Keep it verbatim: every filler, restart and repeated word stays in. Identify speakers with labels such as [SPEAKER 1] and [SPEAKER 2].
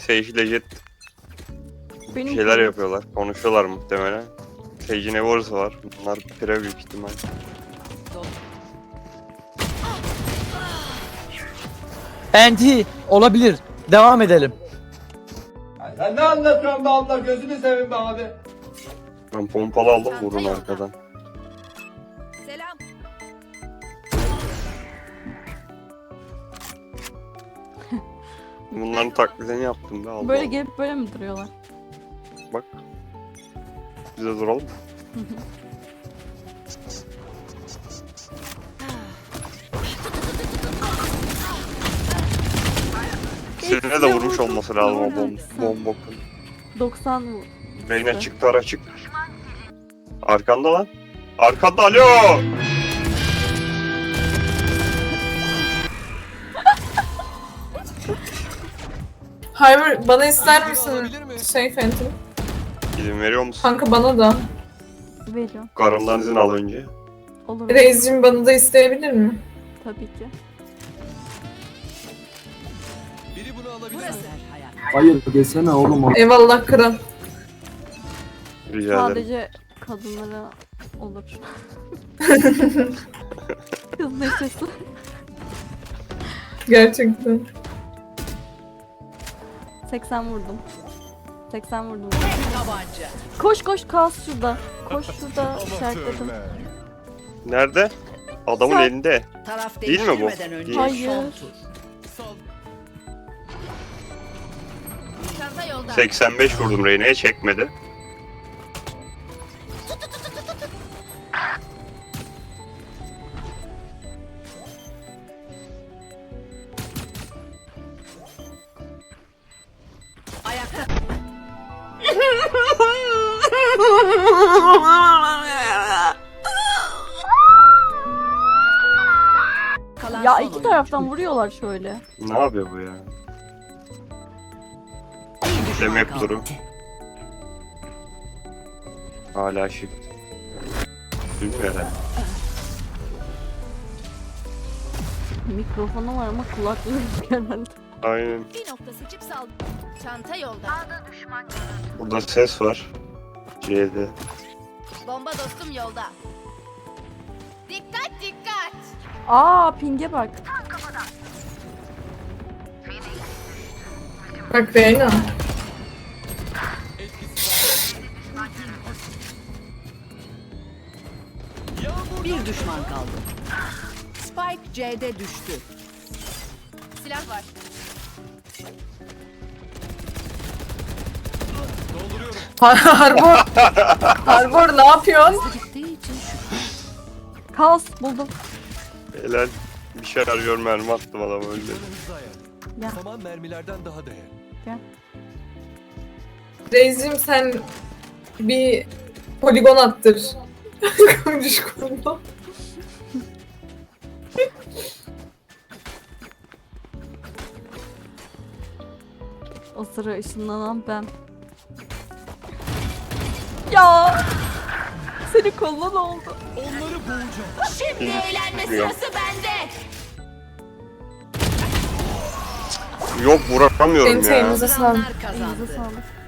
[SPEAKER 1] Sage ile Jet
[SPEAKER 2] Benim
[SPEAKER 1] şeyler
[SPEAKER 2] kızım.
[SPEAKER 1] yapıyorlar. Konuşuyorlar muhtemelen. Sage'in Evor'sı var. Bunlar pire büyük ihtimal.
[SPEAKER 3] Anti olabilir. Devam edelim.
[SPEAKER 4] Ya sen ne anlatıyorsun be abla, gözünü seveyim be abi.
[SPEAKER 1] Ben pompalı aldım, vurun arkadan.
[SPEAKER 5] Selam.
[SPEAKER 1] Bunların taklidini yaptım be Allah.
[SPEAKER 2] Böyle
[SPEAKER 1] Allah.
[SPEAKER 2] gelip böyle mi duruyorlar?
[SPEAKER 1] Bak. Biz de duralım. Seninle de vurmuş olması lazım o bom bombokun.
[SPEAKER 2] doksan vur.
[SPEAKER 1] Reyna çıktı, ara çık. Arkanda lan. Arkanda, alo.
[SPEAKER 6] Hayır, bana ister misin şey Phantom?
[SPEAKER 1] İzin veriyor musun?
[SPEAKER 6] Kanka bana da.
[SPEAKER 2] Veriyorum.
[SPEAKER 1] Karımdan izin al önce.
[SPEAKER 2] Olur.
[SPEAKER 6] Reis'cim bana da isteyebilir mi?
[SPEAKER 2] Tabii ki.
[SPEAKER 4] Biri bunu alabilir mi?
[SPEAKER 5] Burası.
[SPEAKER 7] Hayır desene oğlum.
[SPEAKER 6] Eyvallah kral.
[SPEAKER 1] Rica ederim.
[SPEAKER 2] Sadece kadınlara olur. Kız neşesi.
[SPEAKER 6] Gerçekten.
[SPEAKER 2] seksen vurdum. seksen vurdum.
[SPEAKER 5] Tabanca.
[SPEAKER 2] Koş koş, kas şurada. Koş şurada, işaretledim.
[SPEAKER 1] Nerede? Adamın
[SPEAKER 2] Sen-
[SPEAKER 1] elinde.
[SPEAKER 5] Taraf
[SPEAKER 1] Değil mi bu?
[SPEAKER 5] değiştirmeden önce
[SPEAKER 1] Değil.
[SPEAKER 2] Hayır.
[SPEAKER 5] son tur. Çanta yolda.
[SPEAKER 1] seksen beş vurdum Reyna'ya, çekmedi.
[SPEAKER 5] Ayakta. Kalan
[SPEAKER 2] Ya
[SPEAKER 5] son
[SPEAKER 2] iki
[SPEAKER 5] oyuncu.
[SPEAKER 2] taraftan vuruyorlar şöyle.
[SPEAKER 1] Ne yapıyor bu ya?
[SPEAKER 5] Bir düşman
[SPEAKER 1] Demek
[SPEAKER 5] kaldı.
[SPEAKER 1] durum. Hala shift. Bilmiyorum herhalde.
[SPEAKER 2] Mikrofonu var ama kulaklığı yok herhalde.
[SPEAKER 1] Aynen.
[SPEAKER 5] Bir nokta seçip sal. Çanta yolda.
[SPEAKER 1] Burada ses var. C'de.
[SPEAKER 5] Bomba dostum yolda. Dikkat dikkat.
[SPEAKER 2] Aa, pinge bak.
[SPEAKER 6] Bak Reyna.
[SPEAKER 5] Bir düşman kaldı. Spike C'de düştü. Silah var.
[SPEAKER 6] Harbor. Harbor ne yapıyorsun?
[SPEAKER 5] Gittiği için şu.
[SPEAKER 2] Kaos buldum.
[SPEAKER 1] Helal. Bir şarjör mermi attım adamı, öldü.
[SPEAKER 4] Hızlı ayar.
[SPEAKER 2] Ya.
[SPEAKER 4] Saman mermilerden daha değerli.
[SPEAKER 6] Reis'cim sen bir poligon attır. Konuş kurma.
[SPEAKER 2] O sıra ışınlanan ben. Ya! Seni kollan oldu.
[SPEAKER 4] Onları boğacağım.
[SPEAKER 5] Şimdi eğlenme
[SPEAKER 1] Çıkmıyor.
[SPEAKER 5] sırası bende.
[SPEAKER 1] Yok, vuramıyorum
[SPEAKER 6] Senin
[SPEAKER 1] ya.
[SPEAKER 6] şeyinize sağlık.
[SPEAKER 5] Kazanlar
[SPEAKER 2] Elinize
[SPEAKER 5] kazandı.
[SPEAKER 2] sağlık.